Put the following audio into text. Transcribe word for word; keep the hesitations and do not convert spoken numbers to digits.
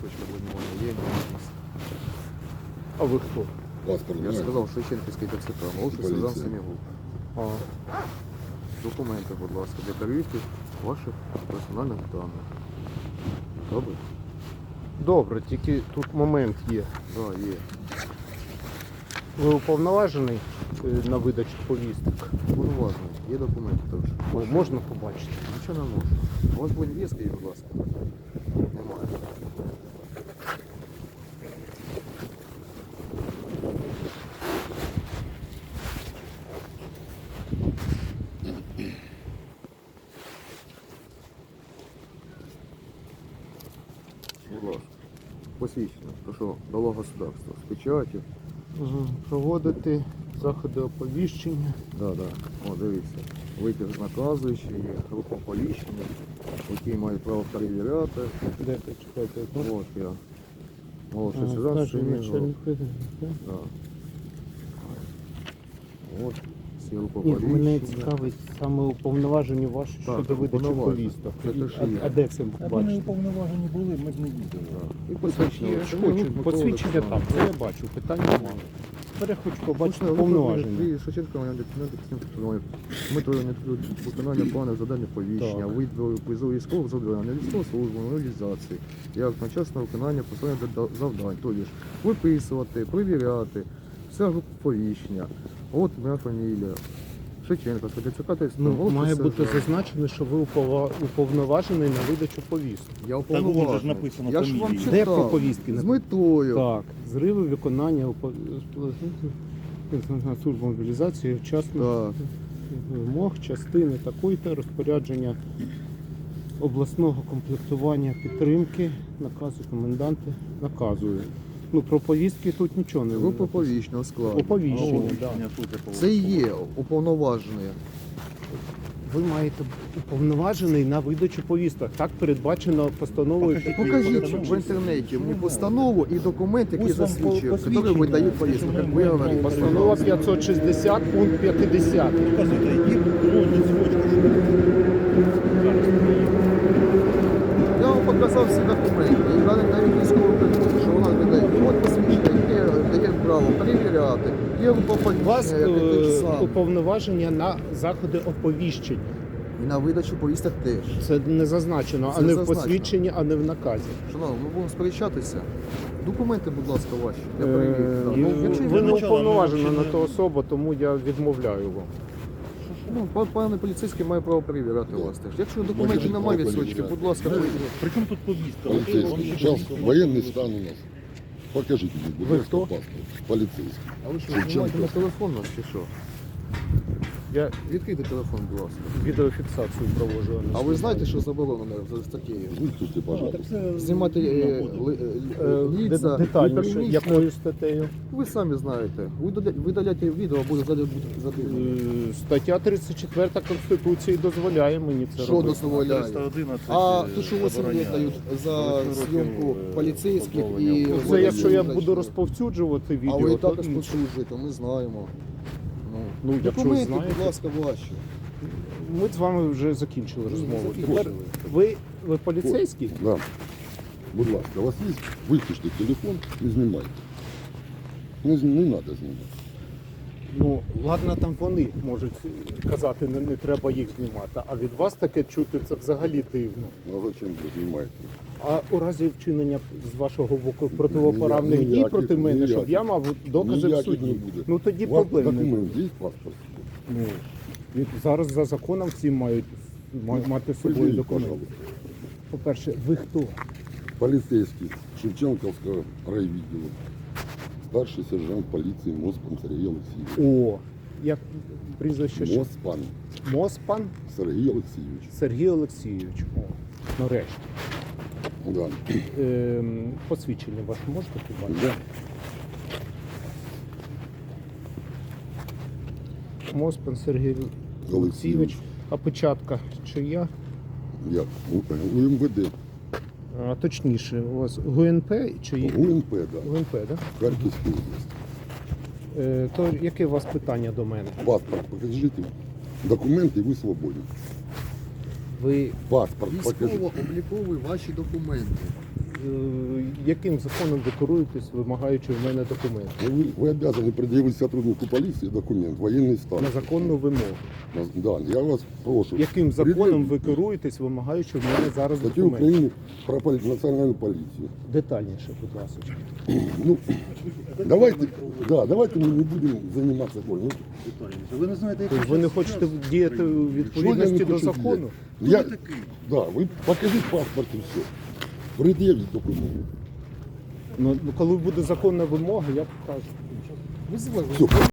карточка бронювання є, ні. А ви хто? Паспорт Я немає? сказав, Шевченківський ТЦК, молодший Поліція. сержант Семігул. А, Документи, будь ласка, для перевірки ваших персональних даних. Добре? добре, тільки тут момент є. Так, да, є. Ви уповноважений е, на видачу повісток? Повноважно. Є документи також. О, можна побачити? Нічого не можу. У вас будь візки, будь ласка. Немає. Будь ласка. Посвідчення. Прошу, дало государство. З печатю. Угу. Проводити заходи оповіщення. Да, да. О, дивіться. Витяг наказуючий, є група оповіщення, які мають право перевіряти. Де ви чекаєте? От я. Молодший сержант Семігул. Да. От, всі група Ні, мене оповіщення. цікавить саме уповноважені ваші Так, щодо видачі уповноважені. повісток. Це І- те, що а, є. а де це Аби ми бачите? уповноважені були, ми б не їздили. І посвідчення. Я ж Семигул хочу Микола посвідчення там, Олександрович. це я бачу, питань немає. Тепер я хочу побачити Точно, уповноваження. ви Шевченко мене документи підтримує. Метою не виконання планів завдання повіщення, Так. виду призову військових завдань, військову службу, мобілізації, як одночасне виконання посилення завдань, тобто ж виписувати, перевіряти, вся група повіщення. От моя фамілія. Шевченко, ТЦК, Ну, має бути зазначено, що ви упова- уповноважений на видачу повісток. Я Так, вон же ж уповноважений. написано Я ж вам фамілії. читав. Де про повістки З написано? метою. Так, зриви виконання упо- служби мобілізації вчасно Так. вимог частини такої-то розпорядження обласного комплектування підтримки, наказу коменданти наказує. Ну, про повістки тут нічого не Група написано. повіщного складу. Оповіщення, О, да. Це і є уповноважений. Ви маєте уповноважений на видачу повісток. Так передбачено постановою. Покажіть в інтернеті мені постанову і документ, який Ось вам засвідчує, посвідчення. який видають повістку. Що ми Як ви маємо говорите, Постанова постанова. п'ятсот шістдесят, пункт п'ятдесят. Показуйте, які бронні цвочки. Я вам показав всі документи. І навіть навіть військову перевірку, що вона видає. От посвідчення, яке дає право перевіряти. Є У вас поповіщення, яке те ж е, саме. уповноваження на заходи оповіщення. І на видачу повісток теж. Це не зазначено, Це а не в зазначено. посвідченні, а не в наказі. Шановні, ми будемо сперечатися. Документи, будь ласка, ваші. Я Е, перевірю. Так. ну, Ну, якщо ви не начала, уповноважена ми на ще ту не- особу, тому я відмовляю вам. Ну, пан- пане поліцейський має право перевіряти вас теж. Якщо документів Може, немає право відсочки, перевіряти. будь ласка, перевірте. Причому тут повістка? Полицейский. Сейчас военный стан у нас. Покажите мне, будь Вы ласка, кто? паспорт. Полицейский. А ви що, Шевченко. знімаєте на телефон нас чи що? Я Відкрийте телефон, будь ласка. відеофіксацію проводжу. А ви знаєте, що заборонено за статтєю? Выключите, пожалуйста. Знімати е, ли- е, Е, лица, де- детальніше, неприлічно. якою статтею? Ви самі знаєте. Ви доля- видаляєте відео, а буде залі бути задивлено. Е, Стаття тридцять четверта Конституції дозволяє мені це Що робити. дозволяє? триста одинадцять, А е, то, що восім забороняє. лет дають за Восьми років, зйомку е, поліцейських і... позбавлення. Ну, вводять це якщо я в буду зачину. розповсюджувати А відео, ви і то також інше. посуджуєте, ми знаємо. Ну, якщо Документи, знаєте. будь ласка, ваші. Ми з вами вже закінчили розмову. закінчили. Тепер ви, ви поліцейський? Да. Будь ласка, у вас есть? Выключите телефон и снимайте. Не, з- не надо снимать. Ну, ладно, там вони можуть казати, не, не треба їх знімати. А від вас таке чути, це взагалі дивно. Ну а зачем вы снимаете? А у разі вчинення з вашого боку противоправних дій Ніяких, проти мене, щоб ніяких. я мав докази в Ніяких суді. не буде. Ну тоді У вас проблем не буде. документ есть паспорт? Ну, і зараз за законом всі мають ма- мати з собою Предъявите, документи. пожалуйста. По-перше, ви хто? Полицейский Шевченковского райвідділу. Старший сержант полиции Моспан Сергей Алексеевич. О, як прізвище ще? Моспан Моспан Сергей Алексеевич. Сергій Олексійович. О, нарешті. Да. Ем, посвідчення ваше можете побачити? Да. Моспан Сергій Олексійович. Олексійович. А печатка чия? Як? У, у МВД. А, точніше, у вас ГУНП чи ГУНП, да. ГУНП, так? Харківська область. Е, то яке у вас питання до мене? Паспорт покажите. Документы, вы свободны. Ви Паспорт покажите. Військово-облікові ваші документи. е, яким законом ви керуєтесь, вимагаючи в мене документи? Ну, Вы, вы обязаны предъявить сотруднику полиции документ, военный стан. На законну вимогу. На- Да, я вас прошу. Яким законом ви Предъявите керуєтесь, вимагаючи в мене зараз статью документи? Украины про поли- национальную полицию. Детальніше, будь ласка. Ну, давайте, да, давайте мы не будем заниматься болью. Ну, Детальніше. Ви не знаєте, як Тобто ви не хочете діяти у что я відповідності не до хочу закону? делать? Я, да, вы покажите паспорт и все. Предъявите документ. Ну, коли буде законна вимога, я покажу. Все.